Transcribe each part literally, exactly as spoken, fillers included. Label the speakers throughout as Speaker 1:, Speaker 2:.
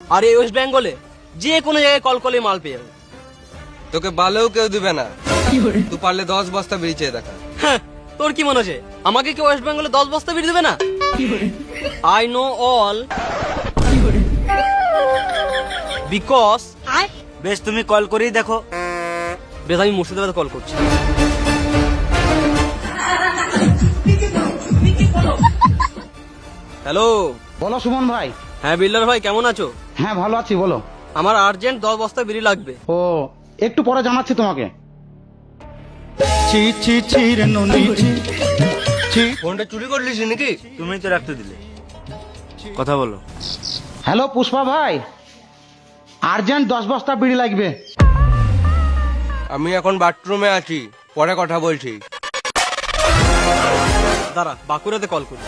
Speaker 1: আর এই ওয়েস্ট বেঙ্গলে যে কোনো জায়গায় কল করলে মাল পেয়ে যাবে।
Speaker 2: তোকে বালেও কেউ দিবে না, তুই পারলে দশ বস্তা বিড়ি চেয়ে দেখা।
Speaker 1: হ্যাঁ, তোর কি মনে হচ্ছে আমাকে কি ওয়েস্ট বেঙ্গলে দশ বস্তা বিড়ি দেবে না? I know all because.
Speaker 3: বেশ, তুমি কল করেই দেখো।
Speaker 1: বেশ, আমি মুর্শিদাবাদে কল করছি। হ্যালো।
Speaker 4: বলো সুমন ভাই।
Speaker 1: হ্যাঁ বিল্ডার ভাই, কেমন আছো?
Speaker 4: হ্যাঁ ভালো আছি, বলো।
Speaker 1: আমার আর্জেন্ট দশ বস্তা বিড়ি লাগবে।
Speaker 4: ও একটু পরে জানাচ্ছি তোমাকে।
Speaker 2: ফোনটা চুরি করলিস নাকি?
Speaker 3: তুমি তো রাখতে দিলে, কথা বলো।
Speaker 4: হ্যালো পুষ্পা ভাই, আর্জেন্ট দশ বস্তা বিড়ি লাগবে।
Speaker 2: আমি এখন বাথরুমে আছি, পরে কথা বলছি।
Speaker 1: দাঁড়া, বাঁকুড়াতে কল করি।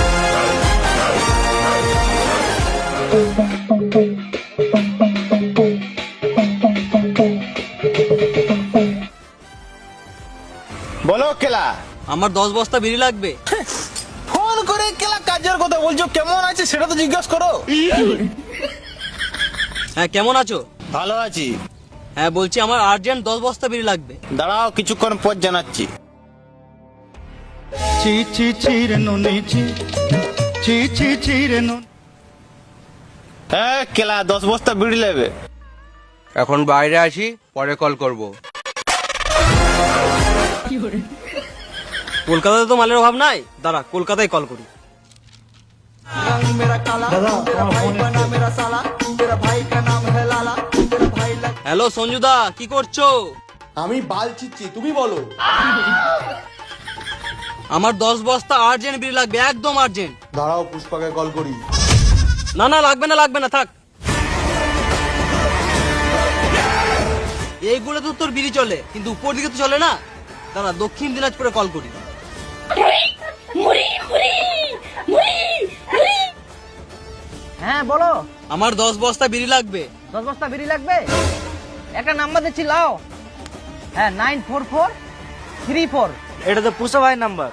Speaker 5: বলো কেলা।
Speaker 1: আমার দশ বস্তা বিড়ি লাগবে।
Speaker 5: ফোন করে কেলা কাজের কথা বলছো, কেমন আছে সেটা তো জিজ্ঞাসা করো।
Speaker 1: হ্যাঁ, কেমন আছো?
Speaker 5: ভালো আছি।
Speaker 1: হ্যাঁ বলছি, আমার আর্জেন্ট দশ বস্তা বিড়ি লাগবে।
Speaker 5: দাঁড়াও, কিছুক্ষণ পর জানাচ্ছি। হ্যাঁ কেলা, দশ বস্তা বিড়ি নেবে।
Speaker 2: এখন বাইরে আছি, পরে কল করব।
Speaker 1: কলকাতাতে তো মালের অভাব নাই, দাঁড়া কলকাতায় কল করি। হ্যালো সঞ্জুদা, কি করছো?
Speaker 6: আমি বাল চিচ্ছি, তুমি বলো।
Speaker 1: আমার দশ বস্তা আর্জেন্ট বিড়ি লাগবে, একদম আর্জেন্ট।
Speaker 6: দাঁড়াও পুষ্পাকে কল করি।
Speaker 1: না না, লাগবে না লাগবে না, থাক। এইগুলো তো তোর বিড়ি চলে, কিন্তু উপর দিকে তো চলে না। দাঁড়া, দক্ষিণ দিনাজপুরে কল করি।
Speaker 7: হ্যাঁ বলো।
Speaker 1: আমার দশ বস্তা বিড়ি লাগবে।
Speaker 7: দশ বস্তা বিড়ি লাগবে? একটা নাম্বার দিচ্ছি, লাও। হ্যাঁ, nine four four three four.
Speaker 3: এটা তো পুষা ভাই নাম্বার।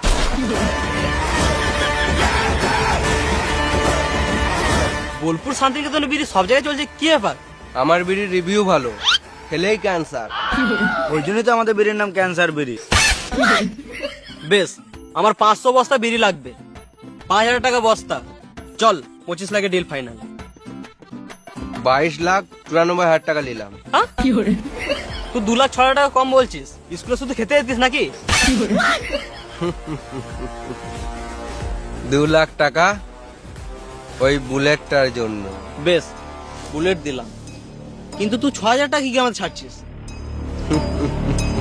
Speaker 1: বোলপুর শান্তিনিকেতনে বিড়ি সব জায়গায় চলছে, কি ব্যাপার?
Speaker 2: আমার বিড়ির রিভিউ ভালো, খেলেই ক্যান্সার।
Speaker 3: ওই জন্যই তো আমাদের বিড়ির নাম ক্যান্সার বিড়ি।
Speaker 1: বেশ, আমার পাঁচশো বস্তা বিড়ি লাগবে, পাঁচ হাজার টাকা বস্তা। চল, পঁচিশ লাখে ডিল ফাইনাল।
Speaker 2: বাইশ লাখ চুরানব্বই হাজার টাকা নিলাম।
Speaker 1: হ্যাঁ, তুই দু লাখ ছ হাজার টাকা কম বলছিস? স্কুলে শুধু খেতে যেতিস নাকি?
Speaker 2: দু লাখ টাকা ওই বুলেটটার জন্য।
Speaker 1: বেশ, বুলেট দিলাম, কিন্তু তুই ছ হাজার টাকা কি আমাদের ছাড়ছিস?